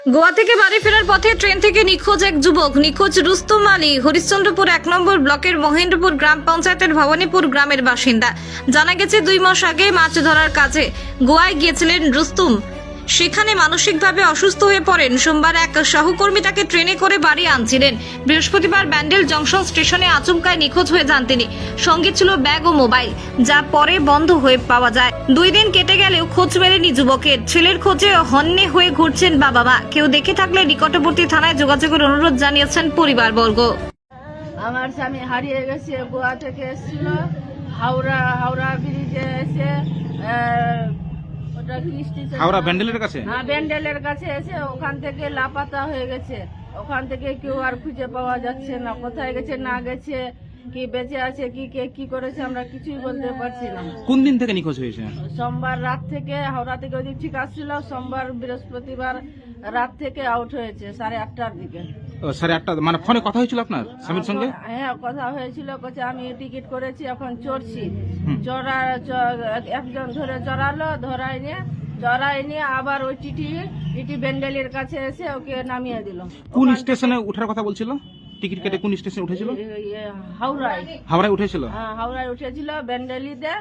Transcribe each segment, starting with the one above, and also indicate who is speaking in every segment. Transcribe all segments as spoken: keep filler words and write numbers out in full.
Speaker 1: গোয়া থেকে বাড়ি ফেরার পথে ট্রেন থেকে নিখোঁজ এক যুবক। নিখোঁজ রুস্তম আলী হরিশ্চন্দ্রপুর এক নম্বর ব্লকের মহেন্দ্রপুর গ্রাম পঞ্চায়েতের ভবানীপুর গ্রামের বাসিন্দা। জানা গেছে দুই মাস আগে মাছ ধরার কাজে গোয়ায় গিয়েছিলেন রুস্তম। সেখানে মানসিকভাবে অসুস্থ হয়ে পড়েন। সোমবার এক সহকর্মী তাকে ট্রেনে করে বাড়ি আনছিলেন। বৃহস্পতিবার ব্যান্ডেল জংশন স্টেশনে আচমকায় নিখোঁজ হয়ে যান তিনি। সঙ্গে ছিল ব্যাগ ও মোবাইল, যা পরে বন্ধ হয়ে পাওয়া যায়। দুই দিন কেটে গেলেও খোঁজ মেলেনি যুবকের। ছেলের খোঁজে হন্যে হয়ে ঘুরছেন বাবা মা। কেউ দেখে থাকলে নিকটবর্তী থানায় যোগাযোগের অনুরোধ জানিয়েছেন পরিবারবর্গ।
Speaker 2: আমার স্বামী হারিয়ে গেছে, গোয়া থেকে এসেছিল, হাওড়া হাওড়া ব্রিজে এসে আহ, ওটা কি স্টেশন?
Speaker 3: হাওড়া ব্যান্ডেলের কাছে।
Speaker 2: হ্যাঁ, ব্যান্ডেলের কাছে এসে ওখান থেকে লাপাতা হয়ে গেছে। ওখান থেকে কেউ আর খুঁজে পাওয়া যাচ্ছে না, কোথায় গেছে না গেছে, কি বেঁচে আছে, কি কে কি করেছে আমরা কিছুই বলতে পারছি না।
Speaker 3: কোন দিন থেকে নিখোঁজ হয়েছে?
Speaker 2: সোমবার রাত থেকে, হাওড়া থেকে ওদিক ঠিক আসছিল, সোমবার বৃহস্পতিবার রাত থেকে আউট হয়েছে সাড়ে আটটার দিকে।
Speaker 3: ও, সাড়ে আটটা মানে ফোনে কথা হয়েছিল আপনার স্বামীর সঙ্গে?
Speaker 2: হ্যাঁ, কথা হয়েছিল, বলছে আমি টিকিট করেছি, এখন চড়ছি।
Speaker 3: হুম।
Speaker 2: চড়া চ- একজন ধরে চড়ালো, ধরাই নিয়ে চড়াই নিয়ে আবার ওই টিটি টিটি ব্যান্ডেলের কাছে এসে ওকে নামিয়ে দিল।
Speaker 3: কোন স্টেশনে ওঠার কথা বলছিল? টিকিট কেটে কোন স্টেশনে উঠেছিল?
Speaker 2: এই- এই হাওড়ায়।
Speaker 3: হাওড়ায় উঠেছিল।
Speaker 2: হ্যাঁ, হাওড়ায় উঠেছিল, ব্যান্ডেলিতে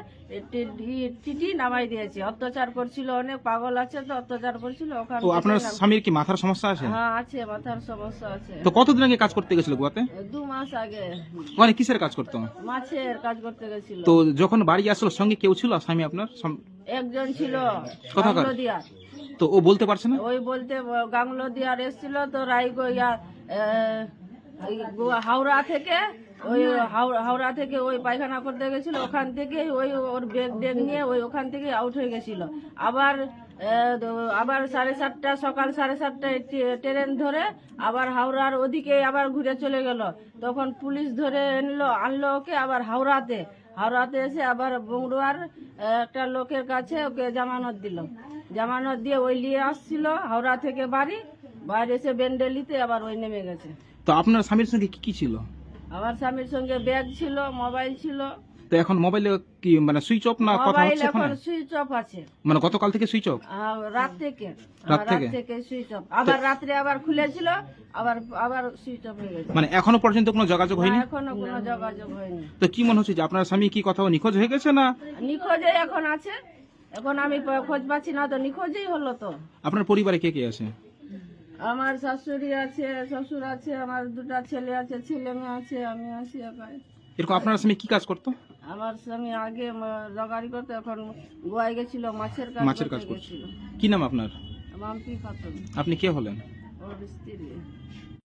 Speaker 2: টিটি নামাই দিয়েছে। অত্যাচার করছিল, অনেক পাগল আছে তো, অত্যাচার করছিল ওখান
Speaker 3: তো আপনার
Speaker 2: থেকে নাম-
Speaker 3: স্বামীর কি মাথার সমস্যা আছে?
Speaker 2: হ্যাঁ আছে, মাথার সমস্যা আছে।
Speaker 3: তো কতদিন আগে কাজ করতে গেছিল গোয়াতে?
Speaker 2: দু মাস আগে
Speaker 3: মানে কিসের কাজ করতো?
Speaker 2: মাছের কাজ করতে গেছিল।
Speaker 3: তো যখন বাড়ি আসলো সঙ্গে কেউ ছিল স্বামী আপনার? সম-
Speaker 2: একজন ছিল
Speaker 3: কোথাকার?
Speaker 2: গাংলোদিয়া।
Speaker 3: তো ও বলতে পারছে না?
Speaker 2: ওই বলতে গাংলোদিয়ার এসেছিল তো রায়গো ইয়া আহ, এই গোয়া- হাওড়া থেকে ওই হাওড়া হাওড়া থেকে ওই পায়খানা করতে গেছিল, ওখান থেকে ওই ওর ব্যাগ ব্যাগ নিয়ে ওই ওখান থেকে আউট হয়ে গেছিল। আবার আহ, আবার সাড়ে সাতটা সকাল সাড়ে সাতটায় ট্রে- ট্রেন ধরে আবার হাওড়ার ওদিকে আবার ঘুরে চলে গেল। তখন পুলিশ ধরে এনলো, আনলো ওকে আবার হাওড়াতে। হাওড়াতে এসে আবার বংরুয়ার আহ, একটা লোকের কাছে ওকে জামানত দিল। জামানত দিয়ে ওই নিয়ে আসছিল হাওড়া থেকে বাড়ি, বাইরে এসে বেন্ডেলিতে আবার ওই নেমে গেছে।
Speaker 3: তো আপনার স্বামীর সঙ্গে কি কি ছিল?
Speaker 2: আমার স্বামীর সঙ্গে ব্যাগ ছিল, মোবাইল ছিল।
Speaker 3: তো এখন মোবাইলে কি মানে সুইচ অফ না কথা
Speaker 2: মোবাইল
Speaker 3: হচ্ছে
Speaker 2: এখন
Speaker 3: এখানে?
Speaker 2: সুইচ অফ আছে।
Speaker 3: মানে গতকাল থেকে সুইচ অফ?
Speaker 2: আহ, রাত থেকে
Speaker 3: রাত
Speaker 2: আহ,
Speaker 3: থেকে?
Speaker 2: থেকে সুইচ অফ। আবার রাত্রে আবার খুলেছিল, আবার আবার সুইচ অফ হয়ে গেছে।
Speaker 3: মানে এখনো পর্যন্ত কোনো যোগাযোগ হয়নি?
Speaker 2: না, এখনো কোনো যোগাযোগ হয়নি।
Speaker 3: তো কি মনে হচ্ছে যে আপনার স্বামী কি কোথাও নিখোঁজ হয়ে গেছে না?
Speaker 2: নিখোঁজে এখন আছে, এখন আমি প- খোঁজ পাচ্ছি না, তো নিখোঁজেই হলো তো।
Speaker 3: আপনার পরিবারে কে কে আছে?
Speaker 2: আমার শাশুড়ি আছে, শ্বশুর আছে, আমার দুটা ছেলে আছে, ছেলে মেয়ে আছে, আমি আছি একাই।
Speaker 3: এরকম আপনার স্বামী কি কাজ করতো?
Speaker 2: আমার স্বামী আগে জগাড়ি করতো, এখন গোয়ায় গেছিল, মাছের কাজ
Speaker 3: মাছের কাজ
Speaker 2: করতে
Speaker 3: করছে।
Speaker 2: গেছিল।
Speaker 3: কি নাম আপনার?
Speaker 2: মাম্পি খাতুন,
Speaker 3: আপনি কে হলেন?
Speaker 2: ওর স্ত্রী।